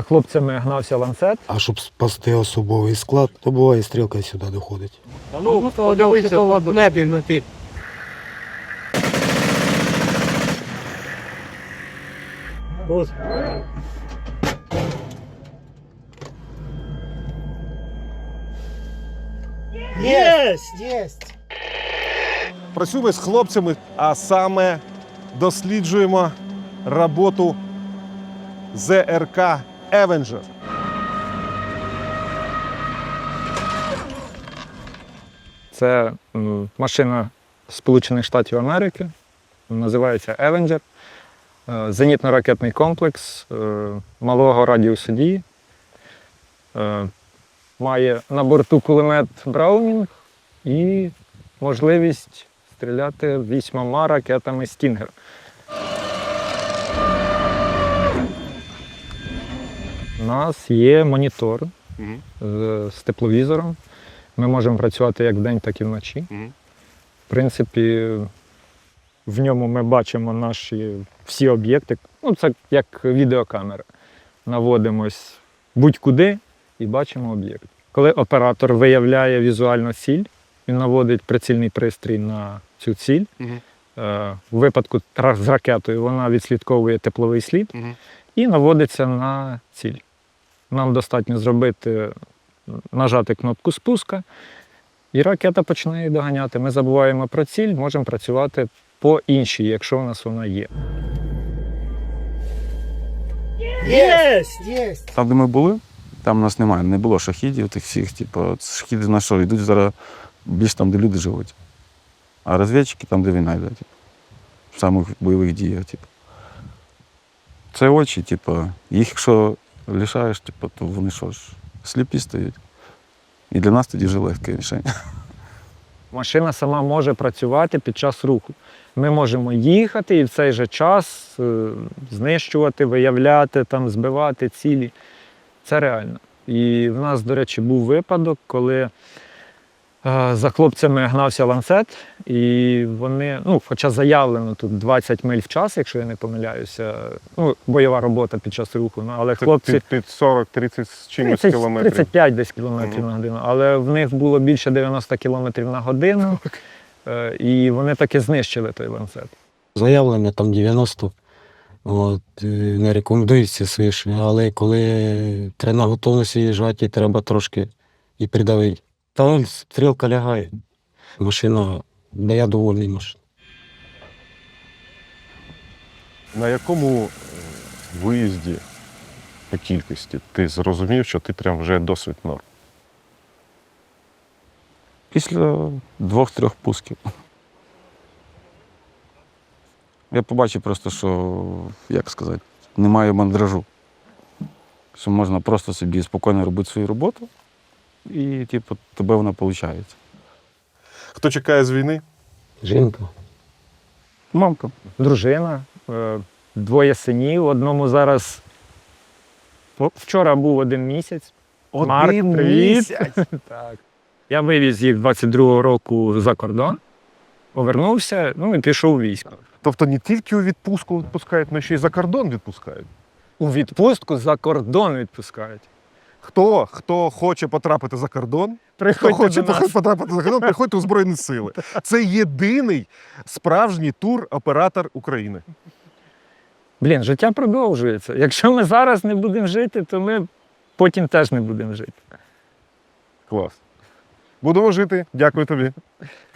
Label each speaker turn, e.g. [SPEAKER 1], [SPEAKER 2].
[SPEAKER 1] хлопцями гнався ланцет.
[SPEAKER 2] А щоб спасти особовий склад, то буває стрілка сюди доходить.
[SPEAKER 3] Ну, подивися, в небі летить.
[SPEAKER 2] Єсть!
[SPEAKER 4] Працюємо з хлопцями, а саме досліджуємо роботу ЗРК «Евенджер».
[SPEAKER 1] Це машина Сполучених Штатів Америки, називається «Евенджер». Зенітно-ракетний комплекс малого радіусу дії. Має на борту кулемет «Браунінг» і можливість стріляти 8 ракетами «Стінгер». У нас є монітор з тепловізором. Ми можемо працювати як вдень, так і вночі. В принципі, в ньому ми бачимо наші всі об'єкти. Ну, це як відеокамера. Наводимось будь-куди і бачимо об'єкт. Коли оператор виявляє візуально ціль, він наводить прицільний пристрій на цю ціль. У випадку з ракетою вона відслідковує тепловий слід і наводиться на ціль. Нам достатньо нажати кнопку спуска, і ракета почне її доганяти. Ми забуваємо про ціль, можемо працювати по іншій, якщо у нас вона є.
[SPEAKER 2] Єсть!
[SPEAKER 5] Там, де ми були, там у нас немає, не було шахідів тих всіх. Типу, шахіди на що? Йдуть зараз більш там, де люди живуть. А розвідчики там, де війна йде. Типу, в самих бойових діях. Типу. Це очі, типу, їх якщо лишаєш, типу, то вони що ж, сліпі стають. І для нас тоді вже легке рішення.
[SPEAKER 1] Машина сама може працювати під час руху. Ми можемо їхати і в цей же час знищувати, виявляти, там, збивати цілі. Це реально. І в нас, до речі, був випадок, коли за хлопцями гнався ланцет, і вони, ну, хоча заявлено тут 20 миль в час, якщо я не помиляюся, ну, бойова робота під час руху, але хлопці...
[SPEAKER 4] Під 40-30 з чимось
[SPEAKER 1] 30,
[SPEAKER 4] кілометрів.
[SPEAKER 1] 35 десь кілометрів на годину, але в них було більше 90 кілометрів на годину, і вони таки знищили той ланцет.
[SPEAKER 2] Заявлення там 90, от, не рекомендується свише, але коли треба на готовності їжджати, треба трошки і придавити. Та стрілка лягає. Машина, де я довольний машина.
[SPEAKER 4] На якому виїзді по кількості ти зрозумів, що ти прям вже досвід норм?
[SPEAKER 5] Після 2-3 пусків. Я побачив просто, що, як сказати, немає мандражу. Що можна просто собі спокійно робити свою роботу, і типу, тебе вона виходить.
[SPEAKER 4] Хто чекає з війни?
[SPEAKER 2] Жінка.
[SPEAKER 5] Мамка.
[SPEAKER 1] Дружина, 2 синів, одному зараз, вчора був 1 місяць. Марк, привіт. Так. Я вивіз їх 22-го року за кордон, повернувся, ну і пішов у військо.
[SPEAKER 4] Тобто не тільки у відпустку відпускають, але ще й за кордон відпускають.
[SPEAKER 1] У відпустку за кордон відпускають.
[SPEAKER 4] Хто хоче потрапити за кордон,
[SPEAKER 1] Приходьте до нас.
[SPEAKER 4] потрапити за кордон, приходьте у Збройні Сили. Це єдиний справжній тур-оператор України.
[SPEAKER 1] Блін, життя продовжується. Якщо ми зараз не будемо жити, то ми потім теж не будемо жити.
[SPEAKER 4] Клас. Будемо жити. Дякую тобі.